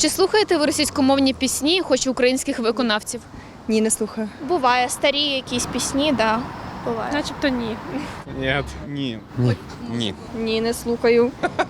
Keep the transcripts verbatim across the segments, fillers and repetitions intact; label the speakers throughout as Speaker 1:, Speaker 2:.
Speaker 1: Чи слухаєте ви російськомовні пісні, хоч і українських виконавців?
Speaker 2: Ні, не слухаю.
Speaker 3: Буває, старі якісь пісні, да, буває.
Speaker 4: Начебто ні.
Speaker 5: Ні.
Speaker 6: Ні.
Speaker 5: Ні.
Speaker 6: Ні.
Speaker 2: Ні, не слухаю.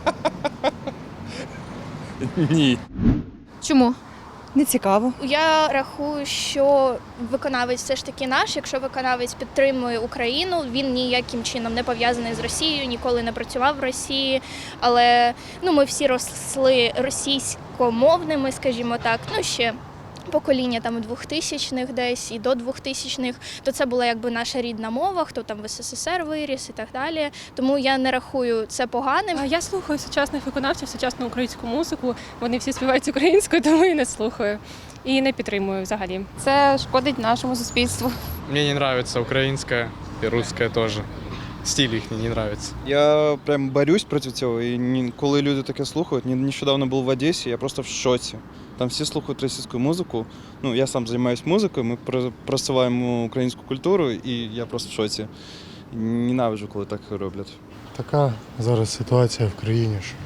Speaker 5: Ні.
Speaker 1: Чому?
Speaker 2: Не цікаво.
Speaker 3: Я рахую, що виконавець все ж таки наш. Якщо виконавець підтримує Україну, він ніяким чином не пов'язаний з Росією, ніколи не працював в Росії. Але ну, ми всі росли російськомовними, скажімо так. Ну, ще покоління там двохтисячних десь і до двохтисячних, то це була якби наша рідна мова, хто там в ес ес ес ер виріс і так далі. Тому я не рахую це поганим.
Speaker 4: Я слухаю сучасних виконавців, сучасну українську музику. Вони всі співають українською, тому і не слухаю. І не підтримую взагалі.
Speaker 7: Це шкодить нашому суспільству.
Speaker 5: Мені не нравится українська і русская теж. Стиль їхній не нравится.
Speaker 6: Я прям борюсь проти цього, і ні- коли люди таке слухають, ні- нещодавно був в Одесі, я просто в шоці. Там всі слухають російську музику. Ну, я сам займаюся музикою, ми про- просуваємо українську культуру, і я просто в шоці. Ненавиджу, коли так роблять.
Speaker 8: Така зараз ситуація в країні, що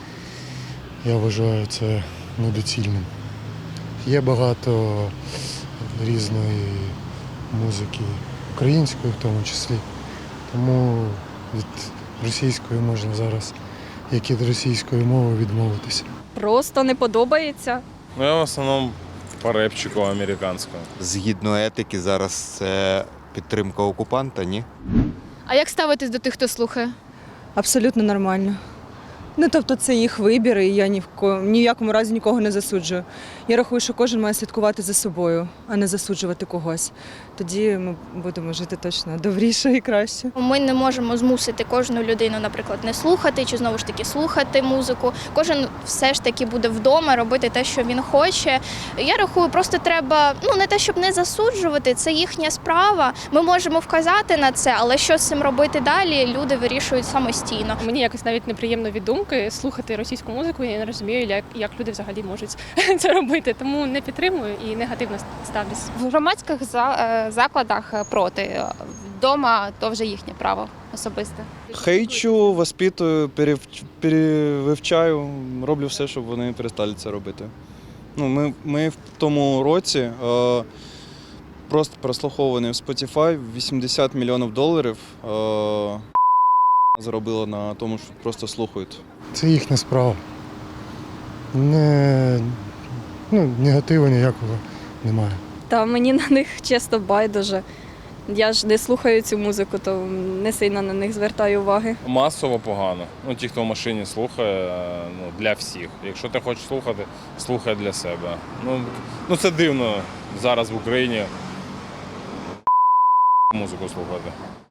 Speaker 8: я вважаю це недоцільним. Є багато різної музики, української в тому числі. Тому від російської можна зараз, як і від російської мови, відмовитися.
Speaker 2: Просто не подобається.
Speaker 9: Ну, я в основному по репчику американському.
Speaker 10: Згідно етики, зараз це підтримка окупанта, ні?
Speaker 1: А як ставитесь до тих, хто слухає?
Speaker 2: Абсолютно нормально. Ну, тобто це їх вибір, і я ні в, ко... ні в якому разі нікого не засуджую. Я рахую, що кожен має слідкувати за собою, а не засуджувати когось. Тоді ми будемо жити точно добріше і краще.
Speaker 3: Ми не можемо змусити кожну людину, наприклад, не слухати чи знову ж таки слухати музику. Кожен все ж таки буде вдома робити те, що він хоче. Я рахую, просто треба, ну не те, щоб не засуджувати, це їхня справа. Ми можемо вказати на це, але що з цим робити далі, люди вирішують самостійно.
Speaker 4: Мені якось навіть неприємно від думки слухати російську музику. Я не розумію, як, як люди взагалі можуть це робити. Тому не підтримую і негативно ставлюсь.
Speaker 7: В громадських за- е, закладах проти. Вдома то вже їхнє право особисте.
Speaker 6: Хейчу, воспитую, перев- перевивчаю, роблю все, щоб вони перестали це робити. Ну, ми, ми в тому році е, просто прослуховані в Spotify вісімдесят мільйонів доларів е, заробила на тому, що просто слухають.
Speaker 8: Це їхня справа. Не, ну, негативу ніякого немає.
Speaker 2: Та мені на них чесно байдуже. Я ж не слухаю цю музику, то не сильно на них звертаю уваги.
Speaker 9: Масово погано. Ну, ті, хто в машині слухає, ну, для всіх. Якщо ти хочеш слухати, слухай для себе. Ну, ну це дивно зараз в Україні музику слухати.